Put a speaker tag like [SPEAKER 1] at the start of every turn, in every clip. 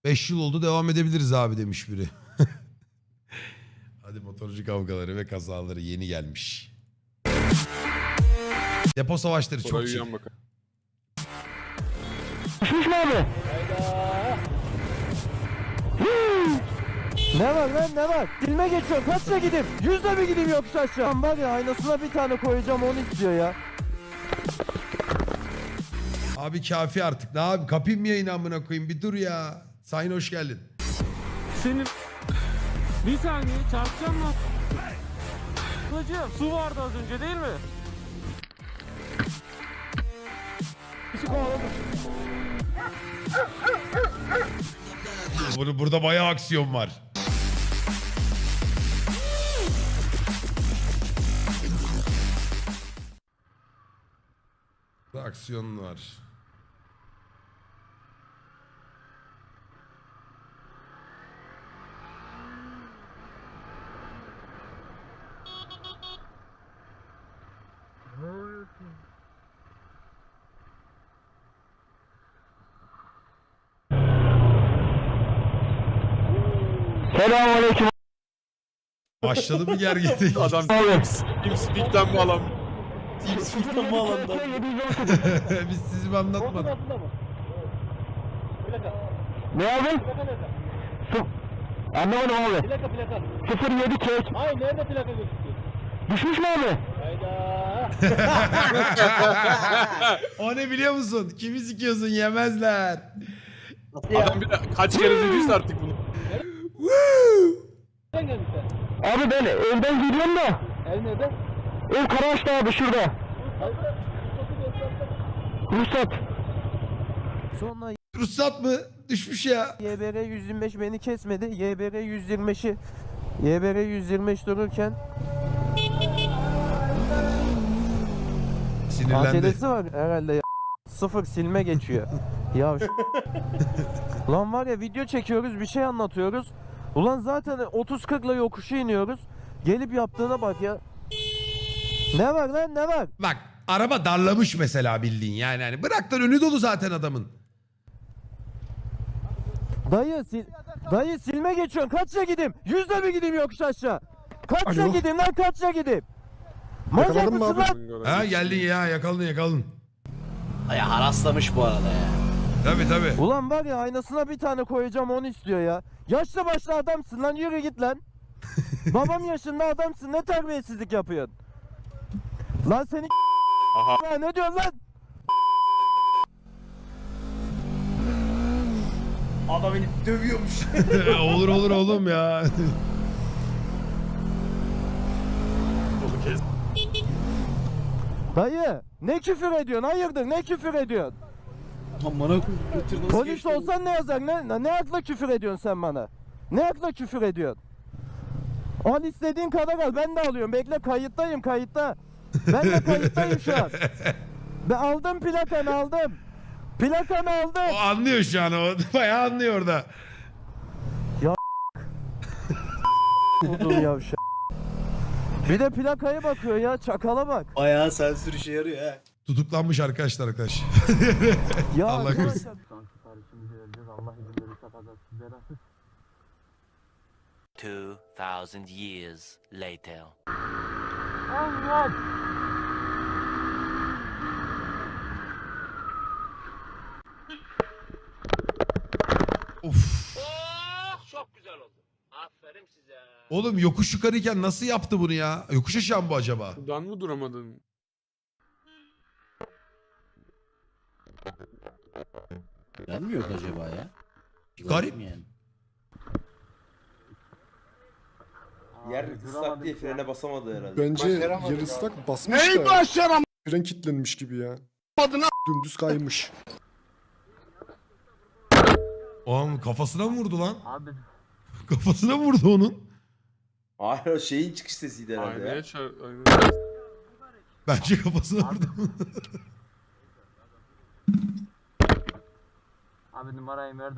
[SPEAKER 1] 5 yıl oldu devam edebiliriz abi demiş biri. Hadi motorcu kavgaları ve kazaları yeni gelmiş. Depo savaşları çok
[SPEAKER 2] Orayı
[SPEAKER 1] iyi.
[SPEAKER 2] yan bakalım.
[SPEAKER 3] Düşmüş mü abi? Ne var lan ne var? Dilme geçiyorum kaçça gideyim? 100'le mi gideyim yokuş aşağı? Lan var ya aynasına bir tane koyacağım onu istiyor ya.
[SPEAKER 1] Abi kafi artık. Ne abi kapayım mı yayını amına koyayım bir dur ya. Sayın hoş geldin.
[SPEAKER 4] Senin... Bir saniye çarpacağım mı? Hocam su vardı az önce değil mi?
[SPEAKER 1] Burada bayağı aksiyon var. Burada aksiyon var.
[SPEAKER 3] Selamünaleyküm.
[SPEAKER 1] Başladı mı gerginlik?
[SPEAKER 2] Adam TeamSpeak'ten mi alan? TeamSpeak'ten mi alandan?
[SPEAKER 1] Biz sizi mi anlatmadık?
[SPEAKER 3] Ne abi? Anlamadım abi.
[SPEAKER 5] Plaka.
[SPEAKER 3] 07 kek.
[SPEAKER 5] Hayır nerede plaka gözüküyor?
[SPEAKER 3] Düşmüş mü abi?
[SPEAKER 5] Hayda.
[SPEAKER 1] O ne biliyor musun? Kimi sikiyorsun yemezler.
[SPEAKER 2] Adam bir de kaç kere dediyse artık bunu.
[SPEAKER 5] Nereden geldin sen?
[SPEAKER 3] Abi ben evden geliyorum da.
[SPEAKER 5] Ev nerede?
[SPEAKER 3] Ev Karaağaç'ta abi şurada.
[SPEAKER 5] Hayda.
[SPEAKER 3] Ruhsat. Sonra
[SPEAKER 1] Ruhsat mı? Düşmüş ya.
[SPEAKER 3] YBR 125 beni kesmedi. YBR 125'i YBR 125 dururken
[SPEAKER 1] Sinirlendi.
[SPEAKER 3] ATD'si var herhalde ya. Sıfır silme geçiyor. Ya lan var ya video çekiyoruz bir şey anlatıyoruz. Ulan zaten 30-40'la yokuşu iniyoruz. Gelip yaptığına bak ya. Ne var lan ne var?
[SPEAKER 1] Bak araba darlamış mesela bildiğin yani. Hani bırak önü dolu zaten adamın.
[SPEAKER 3] Dayı silme geçiyorsun. Kaçça gideyim? 100'le mi gideyim yokuş aşağı? Kaçça gideyim lan kaçça gideyim? Manyak mısın lan?
[SPEAKER 1] Ha geldin ya yakaladın.
[SPEAKER 6] Ya haraslamış bu arada ya.
[SPEAKER 1] Tabii.
[SPEAKER 3] Ulan var ya aynasına bir tane koyacağım onu istiyor ya. Yaşlı başlı adamsın lan yürü git lan. Babam yaşında adamsın ne terbiyesizlik yapıyorsun? Lan seni
[SPEAKER 2] Aha.
[SPEAKER 3] ya, ne diyorsun lan?
[SPEAKER 6] Adam beni dövüyormuş.
[SPEAKER 1] olur oğlum ya.
[SPEAKER 3] Dayı ne küfür ediyorsun hayırdır ne küfür ediyorsun?
[SPEAKER 6] Amına koyayım.
[SPEAKER 3] Polis olsan ne yazar ne akla küfür ediyorsun sen bana? Ne akla küfür ediyorsun? Al istediğin kadar al ben de alıyorum bekle kayıttayım kayıtta. Ben de kayıttayım şu an. Ben aldım plakanı aldım. Plakanı aldım.
[SPEAKER 1] O anlıyor şu an o. Bayağı anlıyor orada.
[SPEAKER 3] Vurdum yavşak. Bir de plakaya bakıyor ya çakala bak.
[SPEAKER 6] Bayağı sensör işe yarıyor ha.
[SPEAKER 1] Tutuklanmış arkadaşlar.
[SPEAKER 3] Ya
[SPEAKER 1] Allah
[SPEAKER 3] arkadaşlar-
[SPEAKER 1] korusun.
[SPEAKER 3] Son siparişimizi vereceğiz. Allah izin verirse kazasız belasız.
[SPEAKER 7] 2000 years later.
[SPEAKER 3] Allah!
[SPEAKER 1] Of.
[SPEAKER 5] Çok güzel oldu. Aferin size.
[SPEAKER 1] Oğlum yokuş yukarıyken nasıl yaptı bunu ya? Yokuş aşağı mı bu acaba?
[SPEAKER 2] Buradan mı duramadın?
[SPEAKER 6] Ben mi yok acaba ya?
[SPEAKER 1] Garip.
[SPEAKER 6] Yani.
[SPEAKER 8] Yer ıslak diye frene basamadı herhalde.
[SPEAKER 9] Bence yer ıslak basmış da. Fren kilitlenmiş gibi ya. Dümdüz kaymış.
[SPEAKER 1] Oğlum kafasına mı vurdu lan?
[SPEAKER 3] Abi
[SPEAKER 1] Kafasına mı vurdu onun?
[SPEAKER 8] Hayır o şeyin çıkış sesiydi herhalde ya.
[SPEAKER 2] Aynaya aynaya.
[SPEAKER 1] Bence kafasına vurdu.
[SPEAKER 3] Abi numarayı ver de.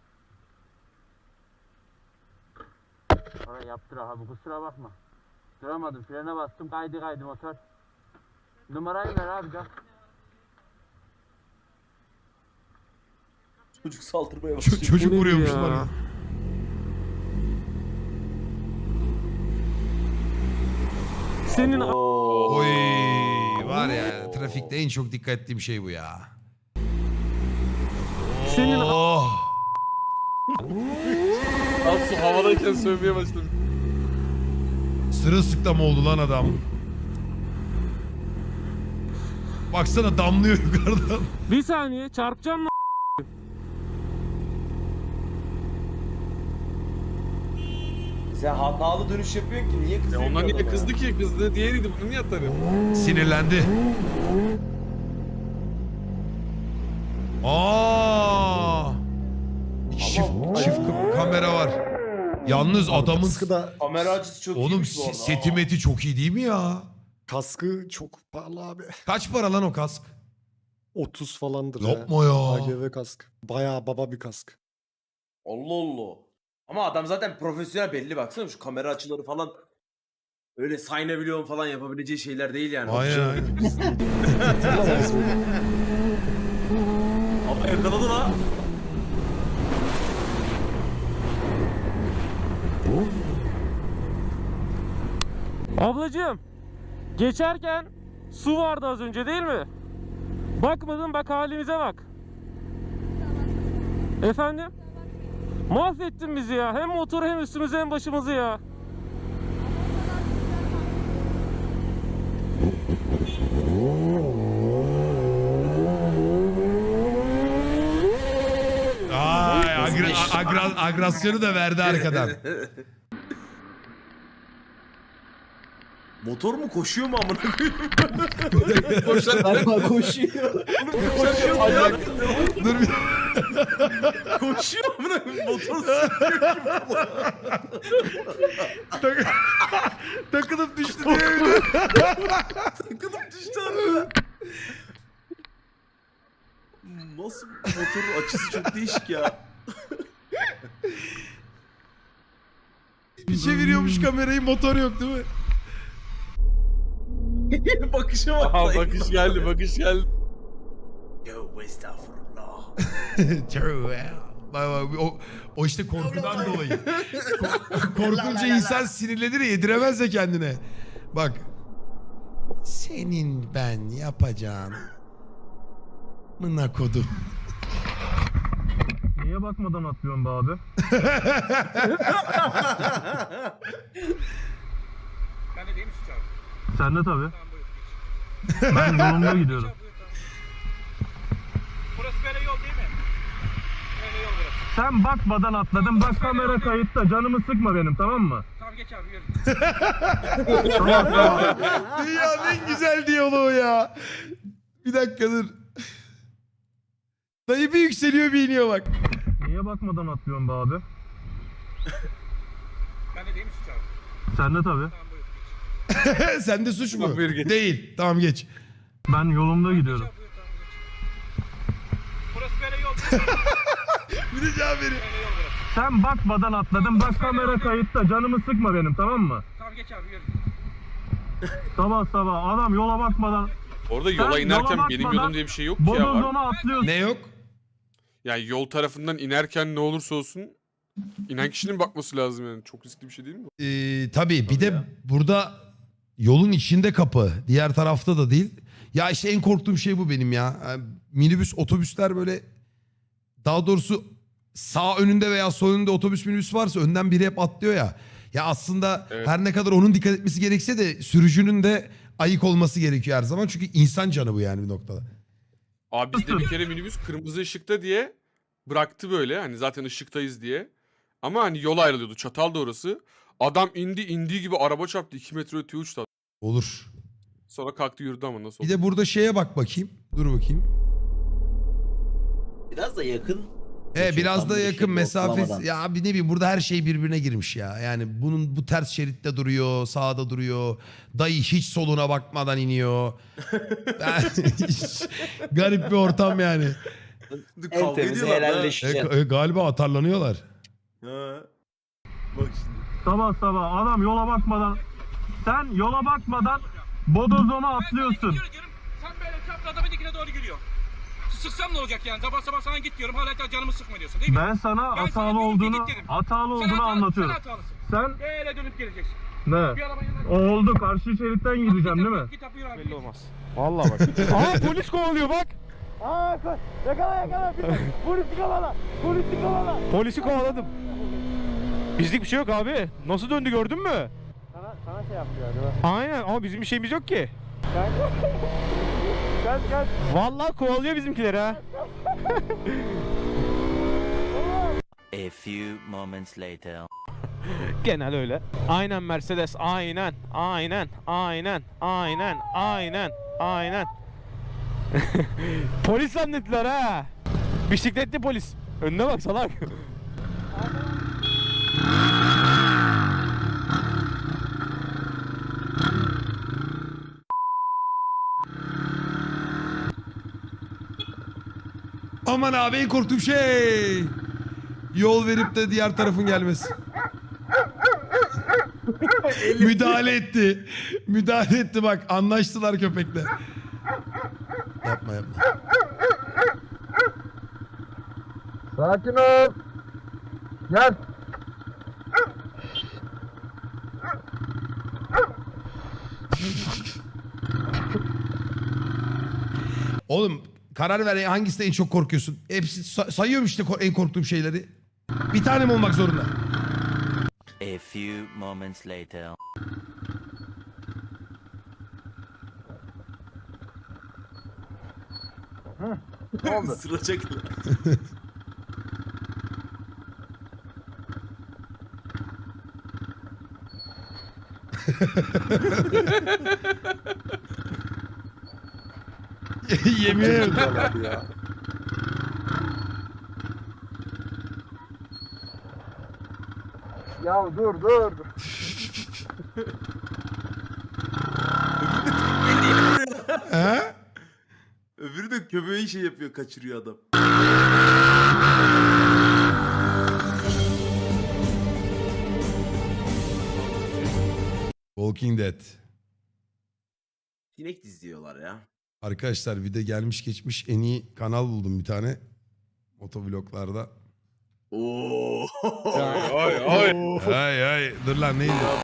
[SPEAKER 3] Oraya yaptır abi kusura bakma. Duramadım frene bastım kaydı motor. Numarayı ver abi gel.
[SPEAKER 8] Çocuk saldırmaya başlıyor.
[SPEAKER 1] Çocuk
[SPEAKER 4] Bu ne
[SPEAKER 1] vuruyormuş
[SPEAKER 4] ya?
[SPEAKER 1] bana.
[SPEAKER 4] Senin
[SPEAKER 8] Oo.
[SPEAKER 1] Oy var ya trafikte en çok dikkat ettiğim şey bu ya.
[SPEAKER 4] Senin
[SPEAKER 1] Oh.
[SPEAKER 2] Atsu havadayken sövmeye başladı.
[SPEAKER 1] Sırılsıklam oldu lan adam. Baksana damlıyor yukarıdan.
[SPEAKER 4] bir saniye çarpacağım mı?
[SPEAKER 8] Sen hatalı dönüş yapıyorsun ki niye
[SPEAKER 2] Ya
[SPEAKER 8] kızıyorsun?
[SPEAKER 2] onlar niye
[SPEAKER 8] adama?
[SPEAKER 2] kızdı ki? Kızdı diğeriydi. Bunu niye atarım?
[SPEAKER 1] Sinirlendi. Aa! Çift kamera var. Yalnız adamın
[SPEAKER 9] Kaskı da,
[SPEAKER 8] Kamera açısı çok
[SPEAKER 1] oğlum
[SPEAKER 8] iyiymiş bu arada.
[SPEAKER 1] seti meti çok iyi değil mi ya?
[SPEAKER 9] kaskı çok pahalı abi.
[SPEAKER 1] Kaç para lan o kask?
[SPEAKER 9] 30 falandır
[SPEAKER 1] Yapma ya.
[SPEAKER 9] AGV kask. Bayağı baba bir kask.
[SPEAKER 8] Allah Allah. Ama adam zaten profesyonel belli baksana şu kamera açıları falan. Öyle saynabilyon falan yapabileceği şeyler değil yani.
[SPEAKER 1] Aynen aynen.
[SPEAKER 8] Ama yakaladı la.
[SPEAKER 4] Ablacığım geçerken su vardı az önce değil mi? Bakmadın bak halimize bak. Efendim? Mahvettin bizi ya. Hem motoru hem üstümüzü hem başımızı ya.
[SPEAKER 1] Ay agresyonu da verdi arkadan.
[SPEAKER 8] Motor mu koşuyor mu amına koyayım?
[SPEAKER 6] Galiba koşuyor.
[SPEAKER 8] Koşuyor mu ya?
[SPEAKER 1] Dur bir
[SPEAKER 8] Koşuyor amına koyayım. Motor
[SPEAKER 1] takılıp düştü diye.
[SPEAKER 8] takılıp düştü abi. Nasıl motorun açısı çok değişik ya.
[SPEAKER 1] Bir çeviriyormuş kamerayı, motor yok değil mi?
[SPEAKER 8] Bakışa bak.
[SPEAKER 2] Aha bakış geldi, bakış geldi.
[SPEAKER 8] Yo estağfurullah.
[SPEAKER 1] True ya. Bak, o işte korkudan dolayı. Korkunca insan sinirlenir ya, yediremez de kendine. Bak. Senin ben yapacağım. Mına kodum.
[SPEAKER 4] Niye bakmadan atlıyorsun be abi?
[SPEAKER 5] Ben de değil mi şu çarpı?
[SPEAKER 4] Sen de tabii.
[SPEAKER 5] Tamam buyur.
[SPEAKER 4] Ben yolumda gidiyorum.
[SPEAKER 5] Burası böyle yol değil mi? Böyle yol burası.
[SPEAKER 4] Sen bakmadan atladın. Bak kamera kayıtta. Canımı sıkma benim, tamam mı?
[SPEAKER 5] Tamam geç abi yürü.
[SPEAKER 1] Dünyanın en güzel diyaloğu ya. Bir dakika dur. Dayı bir yükseliyor bir iniyor bak.
[SPEAKER 4] Niye bakmadan atlıyorsun be abi?
[SPEAKER 5] Ben de değil mi şu çarpı?
[SPEAKER 4] Sen de tabii.
[SPEAKER 5] Tamam buyur geç.
[SPEAKER 1] Sende suç mu?
[SPEAKER 2] Tamam, buyur geç.
[SPEAKER 1] Değil. Tamam geç.
[SPEAKER 4] Ben yolumda gidiyorum.
[SPEAKER 5] Buyur, tamam, geç. Burası böyle yol değil mi?
[SPEAKER 1] Bir de cevap verin.
[SPEAKER 5] Böyle yol burası.
[SPEAKER 4] Sen bakmadan atladın. Bak kamera kayıtta. Canımı sıkma benim, tamam mı?
[SPEAKER 5] Tamam geç abi yürü.
[SPEAKER 4] Sabah sabah adam yola bakmadan
[SPEAKER 2] Orada yola
[SPEAKER 4] Sen
[SPEAKER 2] inerken
[SPEAKER 4] yola
[SPEAKER 2] benim
[SPEAKER 4] bakmadan
[SPEAKER 2] yolum diye bir şey yok ki ya. Var.
[SPEAKER 4] bodozona atlıyorsun.
[SPEAKER 1] Ne yok?
[SPEAKER 2] Yani yol tarafından inerken ne olursa olsun inen kişinin bakması lazım yani. Çok riskli bir şey değil mi?
[SPEAKER 1] Tabii bir de burada yolun içinde kapı. Diğer tarafta da değil. Ya işte en korktuğum şey bu benim ya. Yani minibüs, otobüsler böyle, daha doğrusu sağ önünde veya sol önünde otobüs minibüs varsa önden biri hep atlıyor ya. Ya aslında
[SPEAKER 2] Evet.
[SPEAKER 1] her ne kadar onun dikkat etmesi gerekse de sürücünün de ayık olması gerekiyor her zaman. Çünkü insan canı bu yani bir noktada.
[SPEAKER 2] Abi bizde bir kere minibüs kırmızı ışıkta diye bıraktı böyle. Hani zaten ışıktayız diye. Ama hani yol ayrılıyordu. Çatal da orası. Adam indiği gibi araba çarptı. 2 metre öteye uçtu.
[SPEAKER 1] Olur.
[SPEAKER 2] Sonra kalktı yürüdü ama nasıl
[SPEAKER 1] Bir
[SPEAKER 2] oldu?
[SPEAKER 1] de burada şeye bak bakayım. Dur bakayım.
[SPEAKER 6] Biraz da yakın.
[SPEAKER 1] Biraz
[SPEAKER 6] Tam
[SPEAKER 1] da
[SPEAKER 6] bir
[SPEAKER 1] yakın
[SPEAKER 6] şey
[SPEAKER 1] mesafesi.
[SPEAKER 6] ortalamadan.
[SPEAKER 1] Ya abi ne bileyim, burada her şey birbirine girmiş ya. Yani bu ters şeritte duruyor, sağda duruyor. Dayı hiç soluna bakmadan iniyor. Garip bir ortam yani.
[SPEAKER 6] En temizi helalleşeceksin.
[SPEAKER 1] Galiba atarlanıyorlar.
[SPEAKER 8] Ha. Bak şimdi.
[SPEAKER 4] Sabah sabah adam yola bakmadan sen yola bakmadan bodozona atlıyorsun.
[SPEAKER 5] Yürü. Sen böyle çapraz adamın dikine doğru yürüyor. Şu sıksam ne olacak yani? Sabah sabah sana git diyorum. Hala canımı sıkma diyorsun değil mi?
[SPEAKER 4] Ben sana
[SPEAKER 5] Ben sana
[SPEAKER 4] hatalı
[SPEAKER 5] diyorum ki
[SPEAKER 4] olduğunu
[SPEAKER 5] git dedim.
[SPEAKER 4] hatalı
[SPEAKER 5] Sen
[SPEAKER 4] olduğunu
[SPEAKER 5] hatalı-
[SPEAKER 4] anlatıyorum.
[SPEAKER 5] Sen hatalısın.
[SPEAKER 4] Sen
[SPEAKER 5] Böyle dönüp geleceksin.
[SPEAKER 4] ne?
[SPEAKER 5] Bir arabanın yanına
[SPEAKER 4] Oldu, karşı şeritten gideceğim değil mi?
[SPEAKER 5] Git abi yürü abi.
[SPEAKER 4] Belli olmaz. Vallahi bak. Aa, polis kovalıyor bak.
[SPEAKER 3] Aa yakala. Polisi kovala. Polisi kovala.
[SPEAKER 4] Polisi kovaladım. Bizlik bir şey yok abi. Nasıl döndü gördün mü?
[SPEAKER 3] Sana şey yapıyor acaba.
[SPEAKER 4] Aynen ama bizim bir şeyimiz yok ki.
[SPEAKER 3] Gel.
[SPEAKER 4] Vallahi kovalıyor bizimkileri ha.
[SPEAKER 7] A few moments later.
[SPEAKER 4] Genel öyle. Aynen Mercedes, aynen. Polis zannettiler ha. Bisikletli polis. Önüne bak salak.
[SPEAKER 1] Aman abi en korktuğum şey. Yol verip de diğer tarafın gelmesi. Müdahale etti. Müdahale etti bak. Anlaştılar köpekle. Yapma.
[SPEAKER 3] Sakin ol. Gel.
[SPEAKER 1] Oğlum karar ver hangisinden en çok korkuyorsun? Hepsi sayıyorum işte en korktuğum şeyleri. Bir tane mi olmak zorunda?
[SPEAKER 7] A few moments later.
[SPEAKER 8] Isıracak.
[SPEAKER 1] Yemin ederim.
[SPEAKER 9] ya.
[SPEAKER 3] Ya dur.
[SPEAKER 1] He?
[SPEAKER 8] Öbürü de köpeği şey yapıyor, kaçırıyor adam.
[SPEAKER 1] Walking Dead.
[SPEAKER 8] Sinek diziyorlar ya.
[SPEAKER 1] Arkadaşlar bir de gelmiş geçmiş en iyi kanal buldum bir tane. Motovloglarda.
[SPEAKER 8] Oo.
[SPEAKER 2] Ay.
[SPEAKER 1] Ay dur lan neydi?